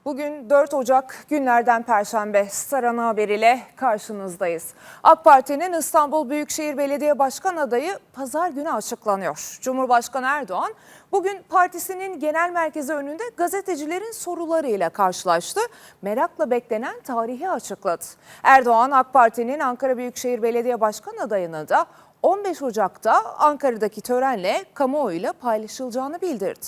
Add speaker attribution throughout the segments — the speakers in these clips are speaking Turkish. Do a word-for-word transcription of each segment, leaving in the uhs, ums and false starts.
Speaker 1: Bugün dört Ocak günlerden Perşembe. Star Ana Haber ile karşınızdayız. AK Parti'nin İstanbul Büyükşehir Belediye Başkan adayı pazar günü açıklanıyor. Cumhurbaşkanı Erdoğan bugün partisinin genel merkezi önünde gazetecilerin sorularıyla karşılaştı. Merakla beklenen tarihi açıkladı. Erdoğan AK Parti'nin Ankara Büyükşehir Belediye Başkan adayını da on beş Ocak'ta Ankara'daki törenle kamuoyuyla paylaşılacağını bildirdi.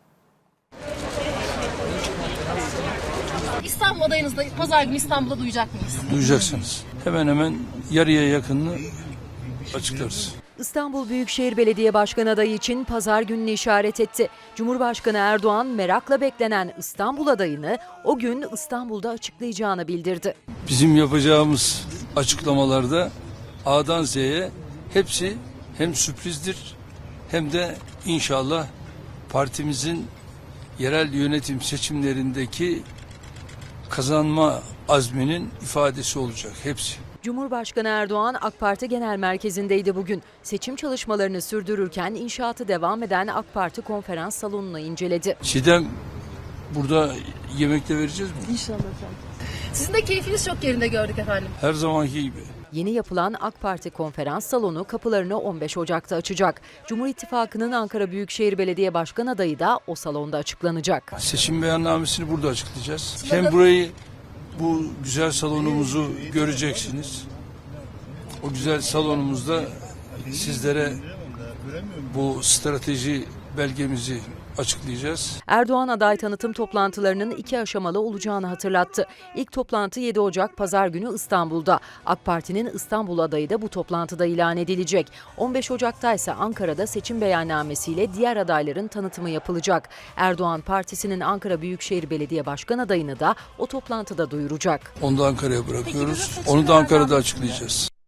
Speaker 2: İstanbul adayınızda pazar günü İstanbul'da duyacak mıyız?
Speaker 3: Duyacaksınız. Hemen hemen yarıya yakınını açıklarız.
Speaker 4: İstanbul Büyükşehir Belediye Başkanı adayı için pazar gününü işaret etti. Cumhurbaşkanı Erdoğan merakla beklenen İstanbul adayını o gün İstanbul'da açıklayacağını bildirdi.
Speaker 3: Bizim yapacağımız açıklamalarda A'dan Z'ye hepsi hem sürprizdir hem de inşallah partimizin yerel yönetim seçimlerindeki kazanma azminin ifadesi olacak hepsi.
Speaker 4: Cumhurbaşkanı Erdoğan AK Parti Genel Merkezi'ndeydi bugün. Seçim çalışmalarını sürdürürken inşaatı devam eden AK Parti konferans salonunu inceledi.
Speaker 3: Çiğdem, burada yemekte vereceğiz mi?
Speaker 2: İnşallah efendim. Sizin de keyfiniz çok yerinde gördük efendim.
Speaker 3: Her zamanki gibi.
Speaker 4: Yeni yapılan AK Parti konferans salonu kapılarını on beş Ocak'ta açacak. Cumhur İttifakı'nın Ankara Büyükşehir Belediye Başkan adayı da o salonda açıklanacak.
Speaker 3: Seçim beyannamesini burada açıklayacağız. Hem burayı, bu güzel salonumuzu göreceksiniz. O güzel salonumuzda sizlere bu strateji belgemizi açıklayacağız.
Speaker 4: Erdoğan aday tanıtım toplantılarının iki aşamalı olacağını hatırlattı. İlk toplantı yedi Ocak Pazar günü İstanbul'da. AK Parti'nin İstanbul adayı da bu toplantıda ilan edilecek. on beş Ocak'ta ise Ankara'da seçim beyannamesiyle diğer adayların tanıtımı yapılacak. Erdoğan Partisi'nin Ankara Büyükşehir Belediye Başkan adayını da o toplantıda duyuracak.
Speaker 3: Onu da Ankara'ya bırakıyoruz. Onu da Ankara'da açıklayacağız.